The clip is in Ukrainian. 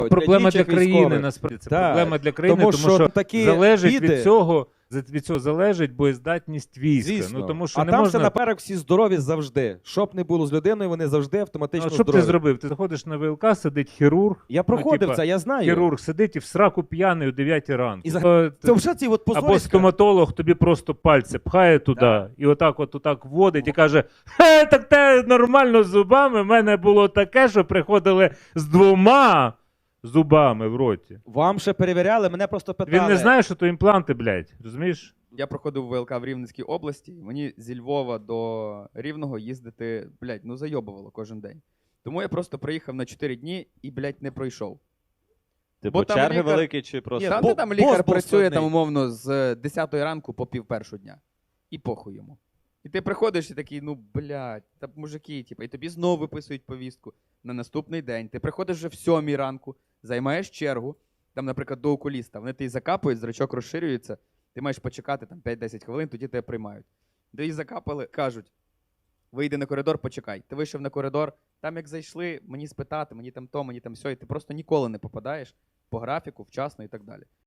Проблема для діючих країни, військових. насправді. Це Так, проблема для країни, тому що такі залежить біди- від цього залежить боєздатність війська. Звісно. Ну, тому що а не там можна... все наперед всі здорові завжди. Щоб не було з людиною, вони завжди автоматично Ну, що б ти здорові. зробив? Ти заходиш на ВЛК, сидить хірург. Я проходив типа, це, я знаю. Хірург сидить і в сраку п'яний о 9 ранку. І Це вже ці от Або позориська. стоматолог тобі просто пальці пхає туди і отак вводить і каже: «Хе, так те нормально з зубами. В мене було таке, що приходили з 2 зубами в роті». Вам ще перевіряли, мене просто питали. Він не знає, що то імпланти, блядь. Розумієш? Я проходив ВЛК в Рівненській області, мені зі Львова до Рівного їздити, блядь, ну зайобувало кожен день. Тому я просто приїхав на 4 дні і, блядь, не пройшов. Типу Бо там черги лікар- великі чи просто... Там, бо- де там бос лікар був працює складний. там, умовно, з 10 ранку по пів першого дня. І похуй йому. І ти приходиш і такий, ну, блядь, та мужики, типу, і тобі знову виписують повістку на наступний день. Ти приходиш вже в 7 ранку, займаєш чергу, там, наприклад, до окуліста, вони тебе закапують, зрачок розширюється, ти маєш почекати там 5-10 хвилин, тоді тебе приймають. Де її закапали, кажуть, вийди на коридор, почекай. Ти вийшов на коридор, там як зайшли, мені спитати, мені там то, мені там сьо, і ти просто ніколи не попадаєш по графіку, вчасно і так далі.